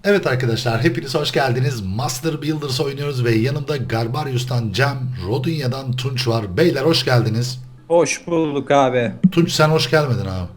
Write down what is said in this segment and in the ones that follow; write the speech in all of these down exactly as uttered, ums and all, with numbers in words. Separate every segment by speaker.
Speaker 1: Evet arkadaşlar, hepiniz hoş geldiniz. Master Builders oynuyoruz ve yanımda Garbarius'tan Cem, Rodunya'dan Tunç var. Beyler hoş geldiniz.
Speaker 2: Hoş bulduk abi.
Speaker 1: Tunç sen hoş gelmedin abi.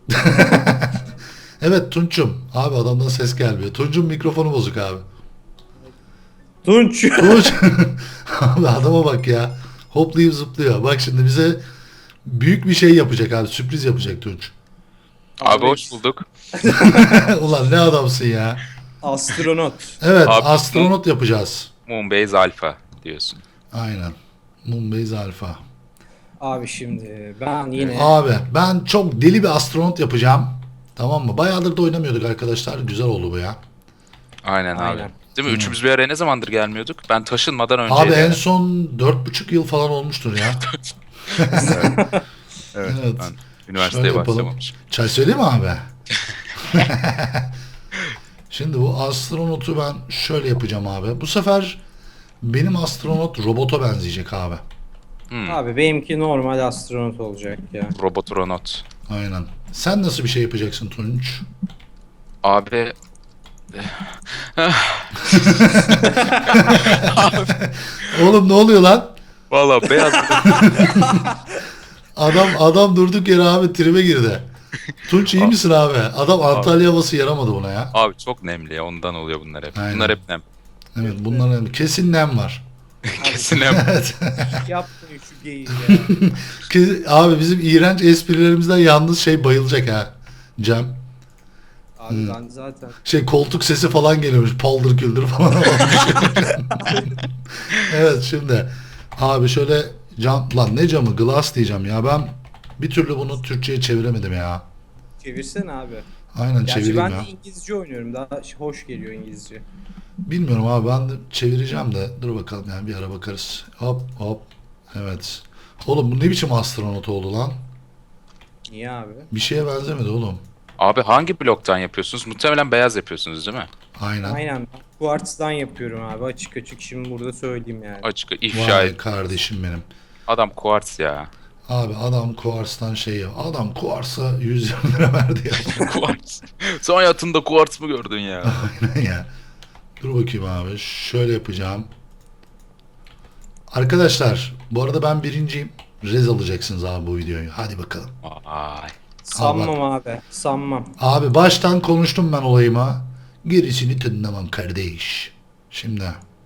Speaker 1: Evet Tunç'um. Abi adamdan ses gelmiyor. Tunç'un mikrofonu bozuk abi.
Speaker 2: Tunç.
Speaker 1: Tunç. Abi adama bak ya. Hoplayıp zıplıyor. Bak şimdi bize büyük bir şey yapacak abi. Sürpriz yapacak Tunç.
Speaker 3: Abi hoş bulduk.
Speaker 1: Ulan ne adamsın ya.
Speaker 2: Astronot.
Speaker 1: Evet
Speaker 3: Abi,
Speaker 1: astronot yapacağız.
Speaker 3: Moonbase Alpha diyorsun.
Speaker 1: Aynen. Moonbase Alpha.
Speaker 2: Abi şimdi ben yine
Speaker 1: Abi ben çok deli bir astronot yapacağım. Tamam mı? Bayağıdır da oynamıyorduk arkadaşlar. Güzel oldu bu ya.
Speaker 3: Aynen,
Speaker 2: Aynen.
Speaker 3: abi. Değil mi? Üçümüz bir araya ne zamandır gelmiyorduk? Ben taşınmadan önce.
Speaker 1: Abi en son dört buçuk yıl falan olmuştur ya.
Speaker 3: Evet.
Speaker 1: Evet.
Speaker 3: Ben
Speaker 1: Şöyle
Speaker 3: üniversiteye
Speaker 1: yapalım.
Speaker 3: başlamamışım.
Speaker 1: Çay söyleyeyim mi abi? Şimdi bu astronotu ben şöyle yapacağım abi. Bu sefer benim astronot robota benzeyecek abi.
Speaker 3: Hmm.
Speaker 2: abi benimki normal astronot olacak ya.
Speaker 3: Robotronaut.
Speaker 1: Aynen. Sen nasıl bir şey yapacaksın Tunç?
Speaker 3: Abi
Speaker 1: Oğlum ne oluyor lan?
Speaker 3: valla beyaz
Speaker 1: Adam adam durduk yere abi tribe girdi. Tunç iyi misin abi? Adam Antalya havası yaramadı buna ya.
Speaker 3: abi çok nemli ya, ondan oluyor bunlar hep.
Speaker 1: Aynen.
Speaker 3: Bunlar hep nem.
Speaker 1: Evet bunların kesin nem var.
Speaker 3: Kesin nem.
Speaker 1: Evet.
Speaker 2: Yapmayın şu geyiği ya.
Speaker 1: Ki- Abi bizim iğrenç esprilerimizden yalnız şey bayılacak ha. Cem.
Speaker 2: Abi ben zaten.
Speaker 1: Şey koltuk sesi falan geliyormuş. Paldır küldür falan olmuş. Evet şimdi. Abi şöyle cam lan ne camı glass diyeceğim ya ben bir türlü bunu Türkçe'ye çeviremedim ya.
Speaker 2: Çevirsene abi.
Speaker 1: Aynen
Speaker 2: Gerçi
Speaker 1: çevireyim
Speaker 2: ben
Speaker 1: ya.
Speaker 2: de İngilizce oynuyorum. Daha hoş geliyor İngilizce.
Speaker 1: Bilmiyorum abi ben de çevireceğim de dur bakalım yani bir ara bakarız. Hop hop. Evet. Oğlum bu ne biçim astronot oldu lan?
Speaker 2: Niye abi?
Speaker 1: Bir şeye benzemedi oğlum.
Speaker 3: Abi hangi bloktan yapıyorsunuz? Muhtemelen beyaz yapıyorsunuz değil mi?
Speaker 1: Aynen.
Speaker 2: Aynen. Ben Quartz'dan yapıyorum abi. Açık açık şimdi burada söyleyeyim yani.
Speaker 3: Açık ifşa
Speaker 1: Vay
Speaker 3: et.
Speaker 1: kardeşim benim.
Speaker 3: Adam kuartz ya.
Speaker 1: Abi adam Kuars'tan şey ya. Adam Kuars'a yüz yirmi lira verdi ya.
Speaker 3: Kuartz. Son hayatında kuartz mı gördün ya?
Speaker 1: Aynen ya. Dur bakayım abi. Şöyle yapacağım. Arkadaşlar bu arada ben birinciyim. Rez alacaksınız abi bu videoyu. Hadi bakalım.
Speaker 3: Ay.
Speaker 2: Sanmam abi. Sanmam.
Speaker 1: Abi baştan konuştum ben olayıma. Gerisini dinlemem kardeş. Şimdi.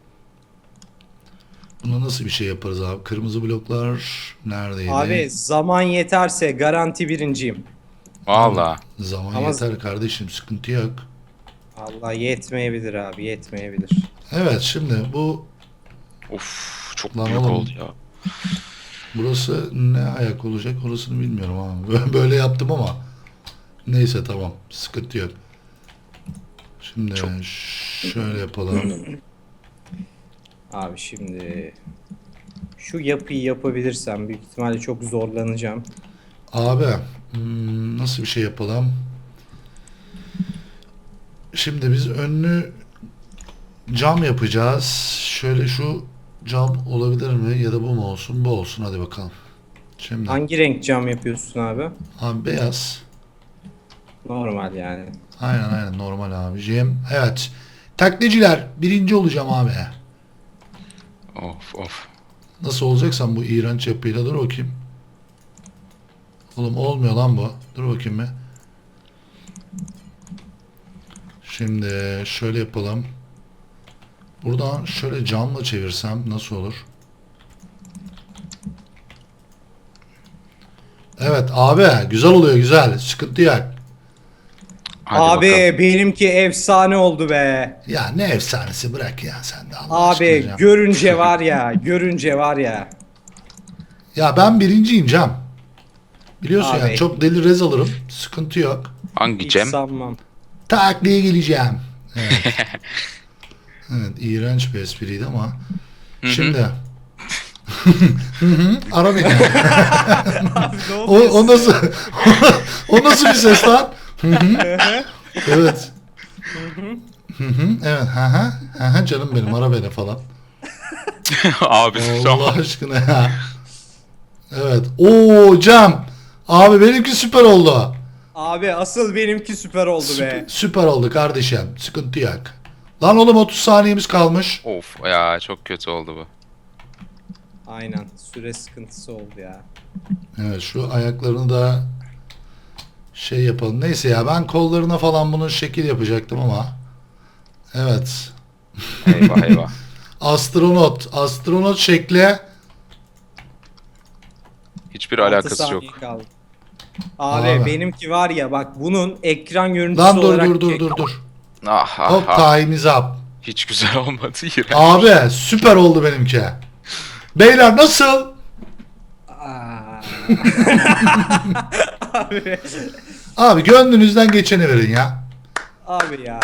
Speaker 1: Buna nasıl bir şey yaparız abi? Kırmızı bloklar neredeydi?
Speaker 2: Abi zaman yeterse garanti birinciyim.
Speaker 3: Valla.
Speaker 1: Zaman
Speaker 2: Ama-
Speaker 1: yeter kardeşim sıkıntı yok.
Speaker 2: Allah yetmeyebilir abi. Yetmeyebilir.
Speaker 1: Evet şimdi bu
Speaker 3: Of çok
Speaker 1: Lan
Speaker 3: büyük
Speaker 1: oğlum.
Speaker 3: oldu ya.
Speaker 1: burası ne ayak olacak orasını bilmiyorum abi. Böyle yaptım ama neyse tamam sıkıntı yok. Şimdi
Speaker 3: Çok-
Speaker 1: şöyle yapalım.
Speaker 2: Abi şimdi şu yapıyı yapabilirsem büyük ihtimalle çok zorlanacağım.
Speaker 1: Abi hmm, nasıl bir şey yapalım? Şimdi biz önlü cam yapacağız. Şöyle şu cam olabilir mi ya da bu mu olsun? Bu olsun hadi bakalım. Şimdi
Speaker 2: Hangi renk cam yapıyorsun abi?
Speaker 1: abi beyaz.
Speaker 2: Normal yani.
Speaker 1: Aynen aynen normal abiciğim. Evet. Taklitçiler birinci olacağım abi.
Speaker 3: Of of.
Speaker 1: Nasıl olacaksan bu iğrenç yapıyla dur bakayım. Oğlum olmuyor lan bu. Dur bakayım bir. Şimdi şöyle yapalım. Buradan şöyle camla çevirsem nasıl olur? Evet abi güzel oluyor güzel. Sıkıntı yok.
Speaker 3: Hadi
Speaker 2: abi
Speaker 3: bakalım.
Speaker 2: benimki efsane oldu be.
Speaker 1: Ya ne efsanesi bırak ya sen de Allah
Speaker 2: Abi
Speaker 1: aşkına Cem.
Speaker 2: görünce var ya, görünce var ya.
Speaker 1: Ya ben birinciyim Cem. Biliyorsun
Speaker 2: Abi.
Speaker 1: yani çok deli rez alırım. Sıkıntı yok.
Speaker 3: Hangi
Speaker 2: Hiç
Speaker 3: Cem?
Speaker 2: sanmam.
Speaker 1: Takliye geleceğim. Evet. Evet, iğrenç bir espriydi ama. Şimdi. Hı hı, Ara beni. o, o nasıl o nasıl bir ses lan? Hı hı. Evet. Hı hı, evet. Hı hı. Hı hı, canım benim ara beni falan.
Speaker 3: Abi şu
Speaker 1: Allah
Speaker 3: an
Speaker 1: aşkına ya. Evet. Oo Cem. Abi benimki süper oldu.
Speaker 2: Abi asıl benimki süper oldu
Speaker 1: Süper,
Speaker 2: be.
Speaker 1: süper oldu kardeşim. Sıkıntı yok. Lan oğlum otuz saniyemiz kalmış.
Speaker 3: Of ya çok kötü oldu bu.
Speaker 2: Aynen süre sıkıntısı oldu ya.
Speaker 1: Evet şu ayaklarını da şey yapalım. Neyse ya ben kollarına falan bunun şekil yapacaktım ama. Evet.
Speaker 3: Eyvah eyvah.
Speaker 1: Astronot. Astronot şekli.
Speaker 3: Hiçbir
Speaker 2: Altı
Speaker 3: alakası yok.
Speaker 2: saniye kaldı. Abi,
Speaker 1: Abi.
Speaker 2: benimki var ya bak bunun ekran görüntüsü
Speaker 1: Lan dur
Speaker 2: olarak
Speaker 1: dur dur
Speaker 2: çek-
Speaker 1: dur dur.
Speaker 3: Ah ah
Speaker 1: Hop
Speaker 3: ah.
Speaker 1: time is up.
Speaker 3: Hiç güzel olmadı. İğrenç.
Speaker 1: Abi süper oldu benimki. Beyler nasıl?
Speaker 2: Aa. Abi.
Speaker 1: Abi gönlünüzden geçeni verin ya.
Speaker 2: Abi ya.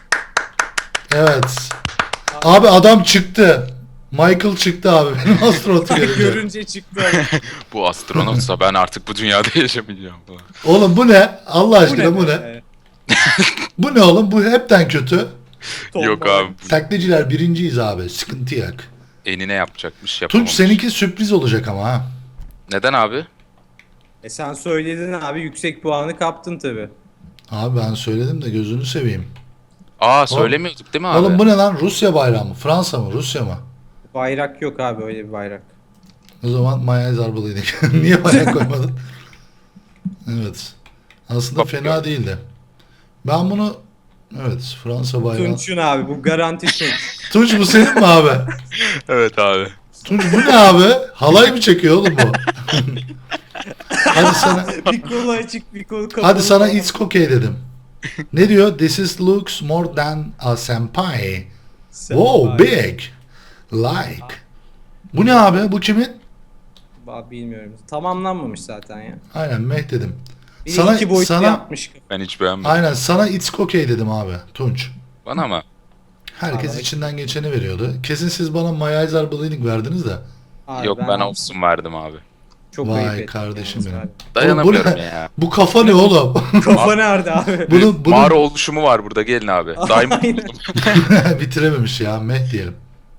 Speaker 1: Evet. Abi adam çıktı. Michael çıktı abi benim astronotu görünce.
Speaker 2: Görünce çıktı.
Speaker 3: Bu astronotsa ben artık bu dünyada yaşamayacağım falan.
Speaker 1: Oğlum bu ne? Allah aşkına bu ne?
Speaker 2: be?
Speaker 1: Bu ne oğlum? Bu hepten kötü.
Speaker 3: Yok
Speaker 2: Tombala.
Speaker 3: abi.
Speaker 1: Taklitçiler birinciyiz abi. Sıkıntı yok.
Speaker 3: Enine yapacakmış
Speaker 1: Tunç
Speaker 3: yapamamış.
Speaker 1: seninki sürpriz olacak ama ha.
Speaker 3: Neden abi?
Speaker 2: E sen söyledin abi yüksek puanı kaptın tabi.
Speaker 1: Abi ben söyledim de gözünü seveyim.
Speaker 3: Aa söylemiyorduk değil mi abi?
Speaker 1: Oğlum bu ne lan? Rusya bayrağı mı? Fransa mı? Rusya mı?
Speaker 2: Bayrak yok abi öyle bir bayrak.
Speaker 1: O zaman Maya Zarbalıydık. Niye bayrak koymadın? Evet. Aslında
Speaker 3: Bak-
Speaker 1: fena değildi. Ben bunu evet Fransa bayrağı. Tunç,
Speaker 2: Tunç'un abi bu garanti Tunç.
Speaker 1: bu senin mi abi?
Speaker 3: Evet abi.
Speaker 1: Tunç bu ne abi? Halay mı çekiyor oğlum bu? Hadi sana
Speaker 2: Bir kolu açık bir kolu kapalı.
Speaker 1: hadi sana it's okay dedim. Ne diyor? This is looks more than a senpai. Wow, big. Like. Bu ne abi? Bu kimin?
Speaker 2: Abi bilmiyorum. Tamamlanmamış zaten ya.
Speaker 1: Aynen Meh dedim.
Speaker 2: Bir
Speaker 1: Sana
Speaker 2: iki boyutlu
Speaker 1: sana
Speaker 2: yapmış.
Speaker 3: Ben hiç beğenmedim.
Speaker 1: aynen sana it's okay dedim abi Tunç.
Speaker 3: Bana mı?
Speaker 1: Herkes
Speaker 2: Abi.
Speaker 1: içinden geçeni veriyordu. Kesin siz bana Mayayzar Bleeding verdiniz de.
Speaker 2: Abi
Speaker 3: Yok ben olsun verdim abi.
Speaker 2: Çok
Speaker 1: Vay
Speaker 2: ayıp ettim
Speaker 1: kardeşim
Speaker 2: yalnız
Speaker 1: benim.
Speaker 2: abi.
Speaker 3: Dayanamıyorum
Speaker 1: Oğlum bu ne?
Speaker 3: ya.
Speaker 1: Bu kafa ne oğlum?
Speaker 2: Kafa nerede abi?
Speaker 1: Bunun, bunun
Speaker 3: Mağara oluşumu var burada gelin abi. Diamond
Speaker 2: Aynen.
Speaker 3: buldum.
Speaker 1: bitirememiş ya Meh diyelim.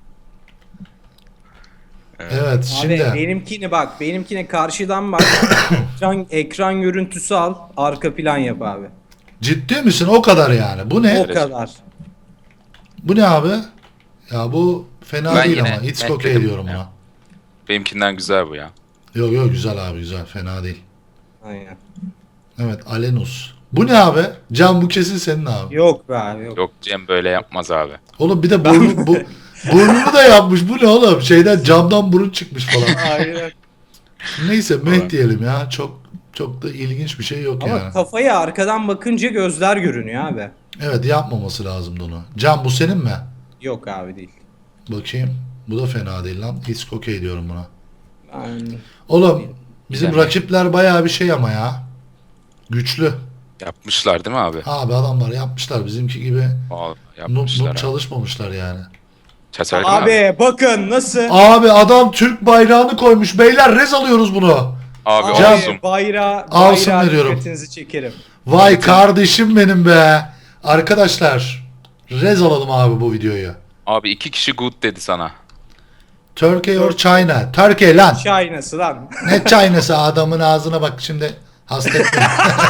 Speaker 1: Evet
Speaker 2: Abi
Speaker 1: şimdi
Speaker 2: benimkini bak benimkine karşıdan bak. ekran, ekran görüntüsü al arka plan yap abi.
Speaker 1: ciddi misin o kadar yani? Bu ne?
Speaker 2: O kadar.
Speaker 1: Bu ne abi? Ya bu fena
Speaker 3: Ben
Speaker 1: değil
Speaker 3: yine
Speaker 1: ama it's
Speaker 3: Meh
Speaker 1: okay
Speaker 3: dedim
Speaker 1: diyorum
Speaker 3: ya.
Speaker 1: buna.
Speaker 3: Benimkinden güzel bu ya.
Speaker 1: Yok yok güzel abi güzel fena değil.
Speaker 2: Aynen.
Speaker 1: Evet Alenus. Bu ne abi? Can bu kesin senin abi.
Speaker 2: Yok be abi yok.
Speaker 3: Yok Cem böyle yapmaz abi.
Speaker 1: Oğlum bir de burnu, bu, burnunu da yapmış. Bu ne oğlum? Şeyden camdan burun çıkmış falan.
Speaker 2: Aynen.
Speaker 1: Neyse Meh
Speaker 3: Falan.
Speaker 1: diyelim ya. Çok çok da ilginç bir şey yok
Speaker 2: Ama
Speaker 1: yani.
Speaker 2: kafaya arkadan bakınca gözler görünüyor abi.
Speaker 1: Evet yapmaması lazımdı onu. Can bu senin mi?
Speaker 2: Yok abi değil.
Speaker 1: Bakayım. Bu da fena değil lan. It's okay diyorum buna.
Speaker 2: Ben...
Speaker 1: Oğlum bizim
Speaker 3: Güzel.
Speaker 1: rakipler bayağı bir şey ama ya. Güçlü.
Speaker 3: Yapmışlar değil mi abi?
Speaker 1: Abi adamlar yapmışlar bizimki gibi.
Speaker 3: Vallahi
Speaker 1: Noob
Speaker 3: yapmışlar
Speaker 1: noob
Speaker 3: abi.
Speaker 1: çalışmamışlar yani.
Speaker 3: Çatalca
Speaker 2: Abi,
Speaker 3: abi.
Speaker 2: bakın nasıl?
Speaker 1: Abi adam Türk bayrağını koymuş. Beyler rez alıyoruz bunu.
Speaker 3: Abi
Speaker 2: Abi,
Speaker 3: olsun.
Speaker 2: bayrağı,
Speaker 1: Awesome
Speaker 2: bayrağı
Speaker 1: veriyorum.
Speaker 2: dikkatinizi çekerim.
Speaker 1: Vay kardeşim benim be. Arkadaşlar rez alalım abi bu videoyu.
Speaker 3: Abi iki kişi good dedi sana.
Speaker 1: Turkey or China? Turkey lan.
Speaker 2: Çay nasıl lan?
Speaker 1: Ne China'sı adamın ağzına bak şimdi hasta etme.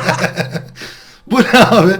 Speaker 1: Bu ne abi?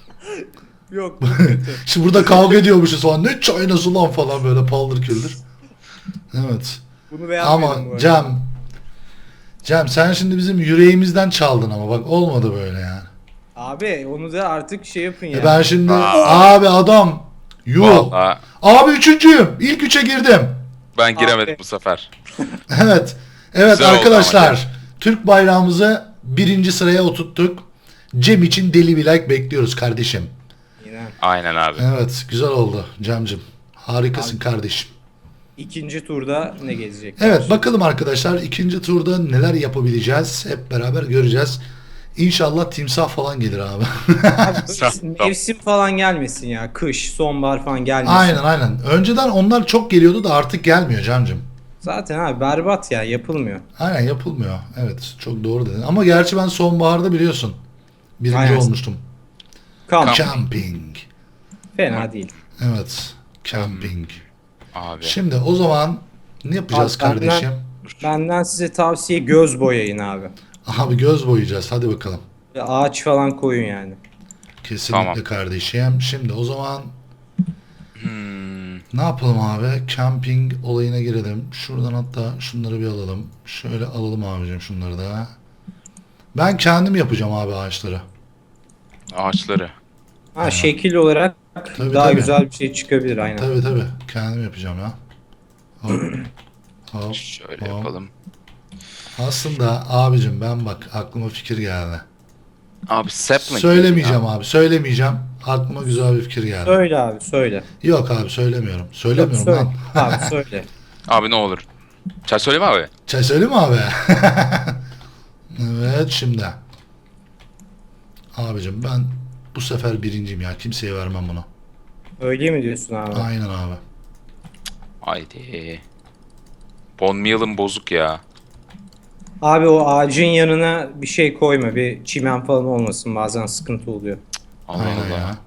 Speaker 2: Yok bu kötü.
Speaker 1: Şimdi burada kavga ediyormuşuz falan. Ne China'sı lan falan böyle paldır küldür. Evet.
Speaker 2: Bunu beğenmedim bu
Speaker 1: Ama
Speaker 2: arada.
Speaker 1: Cem. Cem sen şimdi bizim yüreğimizden çaldın ama bak olmadı böyle yani.
Speaker 2: Abi onu da artık şey yapın ya.
Speaker 1: E ben şimdi
Speaker 3: Aa.
Speaker 1: abi adam. Yuh.
Speaker 3: Vallahi
Speaker 1: Abi üçüncüyüm. İlk üçe girdim.
Speaker 3: ben giremedim
Speaker 2: Abi.
Speaker 3: bu sefer.
Speaker 1: Evet. Evet
Speaker 3: Güzel oldu
Speaker 1: arkadaşlar.
Speaker 3: ama
Speaker 1: Türk bayrağımızı birinci sıraya oturttuk. Cem için deli bir like bekliyoruz kardeşim.
Speaker 2: Yine.
Speaker 3: Aynen abi.
Speaker 1: Evet güzel oldu Cem'cim. Harikasın kardeşim.
Speaker 2: İkinci turda ne gelecek?
Speaker 1: Evet bakalım arkadaşlar ikinci turda neler yapabileceğiz. Hep beraber göreceğiz. İnşallah timsah falan gelir abi.
Speaker 2: Abi, mevsim falan gelmesin ya. Kış, sonbahar falan gelmesin.
Speaker 1: Aynen aynen. Önceden onlar çok geliyordu da artık gelmiyor Cem'cim.
Speaker 2: Zaten abi berbat ya yapılmıyor.
Speaker 1: Aynen yapılmıyor. Evet çok doğru dedin. Ama gerçi ben sonbaharda biliyorsun. Birinci
Speaker 2: Aynen.
Speaker 1: olmuştum.
Speaker 2: Kamp.
Speaker 1: Camping.
Speaker 2: Fena değil.
Speaker 1: Evet. Camping.
Speaker 3: Abi.
Speaker 1: Şimdi o zaman ne yapacağız
Speaker 2: Abi, benden-
Speaker 1: kardeşim?
Speaker 2: Benden size tavsiye göz boyayın abi.
Speaker 1: Abi göz boyayacağız. Hadi bakalım.
Speaker 2: Ağaç falan koyun yani.
Speaker 1: Kesinlikle
Speaker 3: Tamam.
Speaker 1: kardeşim. Şimdi o zaman
Speaker 3: Hmm.
Speaker 1: ne yapalım abi? Camping olayına girelim. Şuradan hatta şunları bir alalım. Şöyle alalım abicim şunları da. Ben kendim yapacağım abi ağaçları.
Speaker 3: Ağaçları.
Speaker 2: Ha şekil olarak
Speaker 1: Tabii,
Speaker 2: daha
Speaker 1: tabii.
Speaker 2: güzel bir şey çıkabilir aynen.
Speaker 1: Tabii tabii. Kendim yapacağım ya. Hop. Hop.
Speaker 3: Şöyle
Speaker 1: hop.
Speaker 3: yapalım.
Speaker 1: Aslında abicim ben bak aklıma fikir geldi.
Speaker 3: Abi sapling.
Speaker 1: Söylemeyeceğim abi. Söylemeyeceğim. Aklıma güzel bir fikir geldi.
Speaker 2: Söyle abi söyle.
Speaker 1: Yok abi söylemiyorum.
Speaker 2: Yok,
Speaker 1: Söylemiyorum
Speaker 2: söyle.
Speaker 1: lan.
Speaker 2: Abi söyle.
Speaker 3: Abi ne olur. Çay söyleme abi.
Speaker 1: Çay söyleyeyim mi abi? Evet şimdi. Abicim ben bu sefer birinciyim ya. Kimseye vermem bunu.
Speaker 2: Öyle mi diyorsun abi?
Speaker 1: Aynen abi.
Speaker 3: Haydi. Bon meal'ım bozuk ya.
Speaker 2: Abi o ağacın yanına bir şey koyma. Bir çimen falan olmasın. Bazen sıkıntı oluyor.
Speaker 3: Allah
Speaker 1: Aynen
Speaker 3: Allah.
Speaker 1: ya.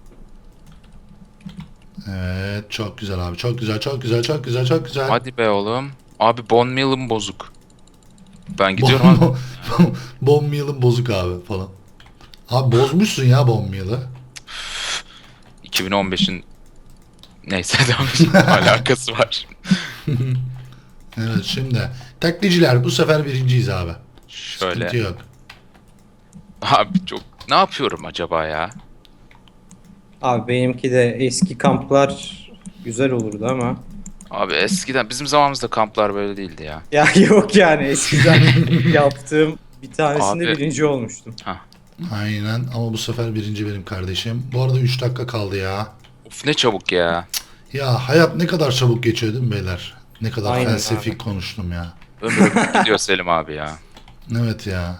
Speaker 1: Evet çok güzel abi. Çok güzel, çok güzel, çok güzel, çok güzel.
Speaker 3: Hadi be oğlum. Abi bon meal'ım bozuk. Ben gidiyorum abi.
Speaker 1: Bon, bon meal'ın bozuk abi falan. Abi bozmuşsun ya bon meal'ı.
Speaker 3: iki bin on beşin neyse devam alakası var.
Speaker 1: Evet şimdi. Taklitçiler bu sefer birinciyiz abi. Sıkıntı
Speaker 3: Şöyle.
Speaker 1: yok.
Speaker 3: Abi çok ne yapıyorum acaba ya?
Speaker 2: Abi benimki de eski kamplar güzel olurdu ama.
Speaker 3: Abi eskiden bizim zamanımızda kamplar böyle değildi ya.
Speaker 2: Ya yok yani eskiden yaptığım bir tanesinde
Speaker 3: Abi-
Speaker 2: birinci olmuştum.
Speaker 1: Aynen ama bu sefer birinci benim kardeşim. Bu arada üç dakika kaldı ya.
Speaker 3: Of ne çabuk ya.
Speaker 1: Ya hayat ne kadar çabuk geçiyor değil mi beyler? Ne kadar
Speaker 2: Aynen
Speaker 1: felsefik
Speaker 2: abi.
Speaker 1: konuştum ya.
Speaker 3: Ömür gidiyor Selim abi ya.
Speaker 1: Evet ya.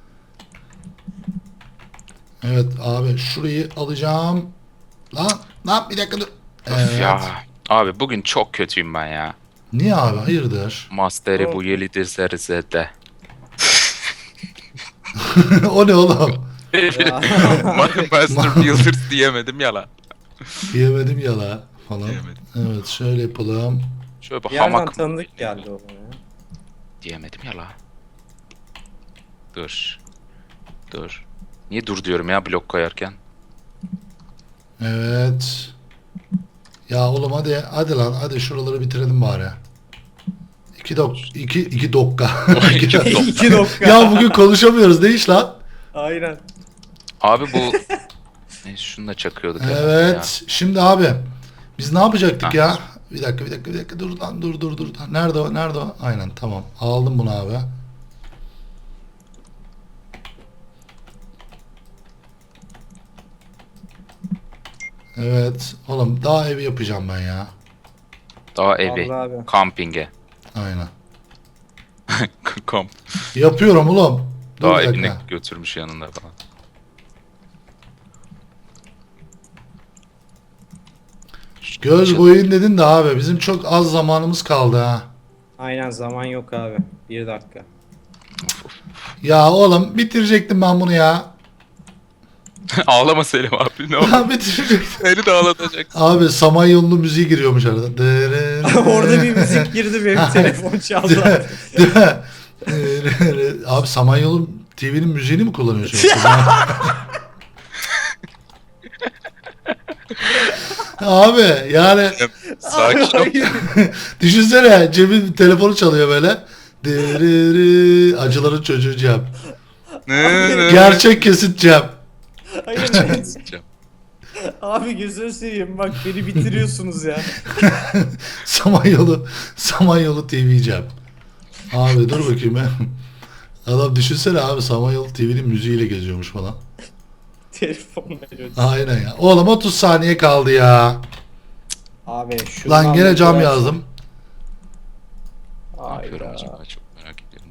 Speaker 1: Evet abi şurayı alacağım. Lan lan bir dakika dur.
Speaker 3: Of
Speaker 1: Evet.
Speaker 3: ya. Abi bugün çok kötüyüm ben ya.
Speaker 1: Niye abi hayırdır?
Speaker 3: Masteri bu yelidir zerzede.
Speaker 1: O ne oğlum?
Speaker 3: Master Builders diyemedim ya lan.
Speaker 1: Yemedim yala falan.
Speaker 3: Diyemedim.
Speaker 1: Evet şöyle yapalım.
Speaker 3: Şöyle bir
Speaker 2: Bir yerden
Speaker 3: hamak
Speaker 2: tanıdık geldi o bana ya.
Speaker 3: diyemedim ya lan. Dur. Dur. Niye dur diyorum ya blok koyarken?
Speaker 1: Evet. Ya oğlum hadi hadi lan hadi şuraları bitirelim bari. İki dok iki iki dokka.
Speaker 3: İki dok-
Speaker 2: İki dakika.
Speaker 1: Ya bugün konuşamıyoruz ne iş lan?
Speaker 2: Aynen.
Speaker 3: Abi bu... Neyse şunu da çakıyorduk herhalde
Speaker 1: Evet. Şimdi abi biz ne yapacaktık
Speaker 3: Ha.
Speaker 1: ya? Bir dakika bir dakika bir dakika dur lan dur dur dur. Nerede o? Nerede o? Aynen tamam. Aldım bunu abi. Evet. Oğlum daha evi yapacağım ben ya.
Speaker 3: ya. Daha evi.
Speaker 2: Vallahi abi.
Speaker 3: Kampinge.
Speaker 1: Aynen.
Speaker 3: Kamp.
Speaker 1: Yapıyorum oğlum. Dur
Speaker 3: Daha
Speaker 1: bir
Speaker 3: evine
Speaker 1: dakika.
Speaker 3: götürmüş yanında falan.
Speaker 1: Göz boyayın dedin de abi bizim çok az zamanımız kaldı ha.
Speaker 2: Aynen zaman yok abi. Bir dakika.
Speaker 1: Ya oğlum bitirecektim ben bunu ya.
Speaker 3: Ağlama Selim abi ne olur.
Speaker 1: Ha bitirecektim.
Speaker 3: Seni de ağlatacak.
Speaker 1: Abi Samanyolu'nun müziği giriyormuş arada. Dırırı.
Speaker 2: Orada bir müzik girdi benim telefon çaldı.
Speaker 1: Değil mi? Dırırı. Abi Samanyolu T V'nin müziğini mi kullanıyorsun? Abi yani
Speaker 3: Sakin ol.
Speaker 1: düşünsene Cem'in telefonu çalıyor böyle. Dırırı. Acıların çocuğu Cem. Gerçek kesit Cem.
Speaker 2: Hayır. Abi gözünü seveyim bak beni bitiriyorsunuz ya.
Speaker 1: Samanyolu Samanyolu T V Cem. Abi dur bakayım ben. Adam düşünsene abi Samanyolu T V'nin müziğiyle geziyormuş falan.
Speaker 2: Telefon veriyor.
Speaker 1: Aynen ya. Oğlum otuz saniye kaldı ya.
Speaker 2: Abi şu
Speaker 1: Lan gene cam yazdım.
Speaker 3: Ne yapıyorum
Speaker 2: Hayda.
Speaker 3: acaba çok merak ediyorum.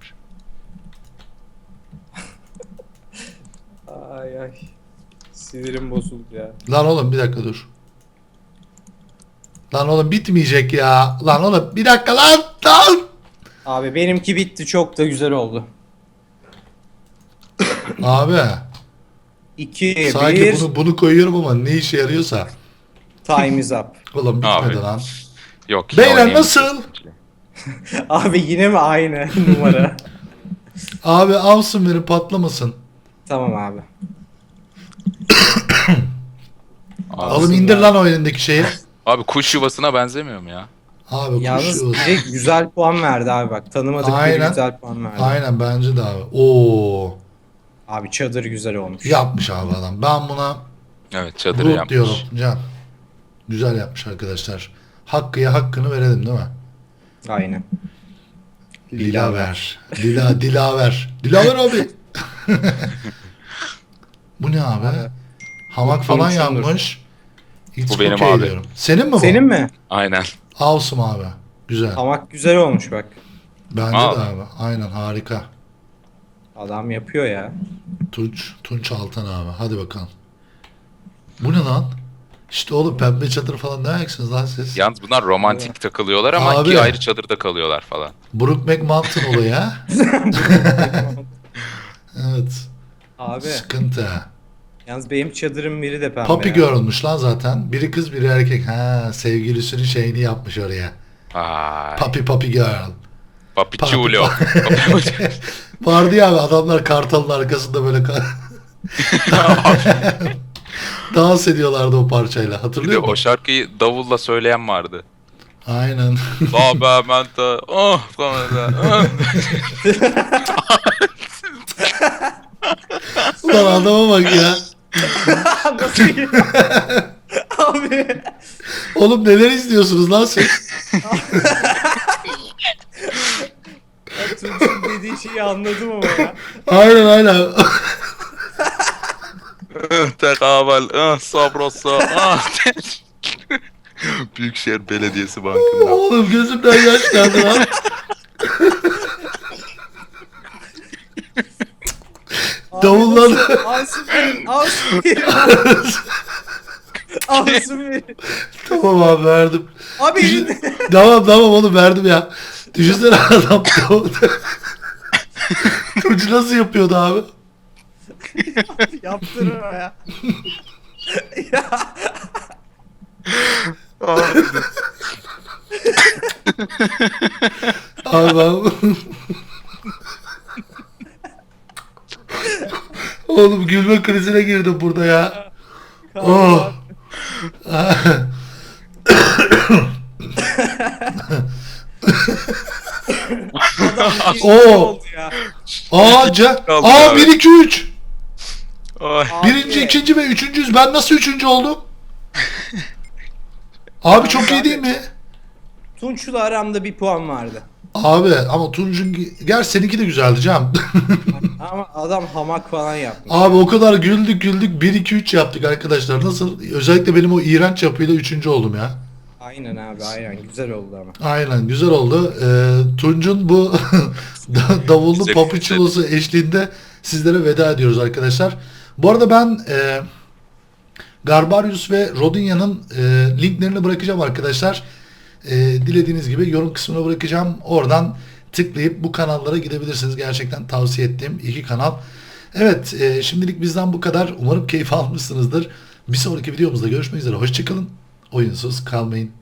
Speaker 2: Ay ay. Sinirim bozuldu ya.
Speaker 1: Lan oğlum bir dakika dur. Lan oğlum bitmeyecek ya. Lan oğlum bir dakika lan. Lan.
Speaker 2: Abi benimki bitti çok da güzel oldu.
Speaker 1: Abi
Speaker 2: iki
Speaker 1: sanki
Speaker 2: bir
Speaker 1: bunu bunu koyuyorum ama ne işe yarıyorsa.
Speaker 2: time is up.
Speaker 1: Oğlum bitmedi
Speaker 3: Abi.
Speaker 1: lan.
Speaker 3: Yok.
Speaker 1: Beyler,
Speaker 3: yine oynayayım.
Speaker 1: nasıl?
Speaker 2: Abi yine mi aynı numara?
Speaker 1: Abi alsın verin patlamasın.
Speaker 2: Tamam abi.
Speaker 3: Abi,
Speaker 1: Oğlum indir lan o elindeki şeyi.
Speaker 3: abi kuş yuvasına benzemiyor mu ya?
Speaker 1: Abi kuş
Speaker 2: Yalnız
Speaker 1: yuvası.
Speaker 2: biri güzel puan verdi abi bak. Tanımadık biri
Speaker 1: Aynen.
Speaker 2: güzel puan verdi.
Speaker 1: Aynen bence de abi. Oo.
Speaker 2: Abi çadır güzel olmuş.
Speaker 1: Yapmış abi adam. Ben buna
Speaker 3: Evet çadırı
Speaker 1: root
Speaker 3: yapmış.
Speaker 1: diyorum Can. Güzel yapmış arkadaşlar. Hakkı'ya hakkını verelim değil mi?
Speaker 2: Aynen.
Speaker 1: Dilaver. Dila, Dilaver. Dilaver abi. Bu ne abi?
Speaker 2: Abi.
Speaker 1: Hamak
Speaker 2: Bu
Speaker 1: falan
Speaker 2: Thompson'dur.
Speaker 1: yapmış. It's
Speaker 3: Bu benim
Speaker 1: okay
Speaker 3: abi.
Speaker 1: diyorum. Senin mi bu?
Speaker 2: Senin mi?
Speaker 3: Aynen.
Speaker 1: Awesome abi. Güzel.
Speaker 2: Hamak güzel olmuş bak.
Speaker 1: Bence
Speaker 3: Abi.
Speaker 1: de abi. Aynen harika.
Speaker 2: Adam yapıyor ya.
Speaker 1: Tunç, Tunç Altan abi. Hadi bakalım. Bu ne lan? İşte oğlum pembe çadır falan ne ayaksınız lan siz?
Speaker 3: Yalnız bunlar romantik takılıyorlar ama
Speaker 1: Abi.
Speaker 3: iki ayrı çadırda kalıyorlar falan.
Speaker 1: Brookback Mountain olayı ha? Evet.
Speaker 2: Abi
Speaker 1: Sıkıntı.
Speaker 2: yalnız benim çadırım biri de pembe
Speaker 1: Papi
Speaker 2: ya.
Speaker 1: görülmüş lan zaten. Biri kız biri erkek. Ha sevgilisinin şeyini yapmış oraya.
Speaker 3: Ay.
Speaker 1: Papi papi girl.
Speaker 3: Papichulo.
Speaker 1: Vardı ya abi adamlar kartalın arkasında böyle ka- dans ediyorlardı o parçayla.
Speaker 3: Bir de
Speaker 1: Hatırlıyor
Speaker 3: o
Speaker 1: musun?
Speaker 3: şarkıyı davulla söyleyen vardı.
Speaker 1: Aynen.
Speaker 3: La be menta. Oh falan da. Oh.
Speaker 1: Ulan adama bak ya.
Speaker 2: Nasıl ya? Abi.
Speaker 1: Oğlum neler izliyorsunuz lan siz?
Speaker 2: Ya Tunç'un dediği şeyi anladım ama ya.
Speaker 1: Aynen aynen.
Speaker 3: Tekabel. Ah sabrosa. Ah. Büyükşehir Belediyesi Bankı'nda.
Speaker 1: Oğlum gözümden yaş geldi lan. Davullar.
Speaker 2: Alsın verin. Alsın verin. Alsın verin.
Speaker 1: Tamam abi verdim.
Speaker 2: Abi
Speaker 1: Düşün...
Speaker 2: elinde.
Speaker 1: tamam tamam oğlum verdim ya. Düşünsene adam Tunç nasıl yapıyordu abi?
Speaker 2: Yaptırır o ya.
Speaker 1: Abi ben... Oğlum gülme krizine girdim burada ya. Oh.
Speaker 2: Adam bir şey
Speaker 1: Oo.
Speaker 2: oldu ya.
Speaker 1: Aa, ca...
Speaker 3: Kaldı
Speaker 1: Aa
Speaker 3: abi.
Speaker 1: bir iki üç.
Speaker 3: Ay.
Speaker 2: Abi.
Speaker 1: Birinci, ikinci ve üçüncüyüz. Ben nasıl üçüncü oldum? Abi çok iyi değil mi?
Speaker 2: Tunç'la aramda bir puan vardı.
Speaker 1: Abi ama Tunç'un... Gerçi seninki de güzeldi Can.
Speaker 2: Ama adam hamak falan yapmış.
Speaker 1: Abi o kadar güldük güldük bir iki üç yaptık arkadaşlar. Nasıl? Özellikle benim o iğrenç yapıyla üçüncü oldum ya.
Speaker 2: Aynen abi aynen güzel oldu ama.
Speaker 1: Aynen güzel oldu. Ee, Tunç'un bu da- davullu
Speaker 3: Güzel,
Speaker 1: papuçulosu eşliğinde sizlere veda ediyoruz arkadaşlar. Bu arada ben e, Garbarius ve Rodinya'nın e, linklerini bırakacağım arkadaşlar. E, dilediğiniz gibi yorum kısmına bırakacağım. Oradan tıklayıp bu kanallara gidebilirsiniz. Gerçekten tavsiye ettiğim iki kanal. Evet e, şimdilik bizden bu kadar. Umarım keyif almışsınızdır. Bir sonraki videomuzda görüşmek üzere. Hoşçakalın. Oyunsuz kalmayın.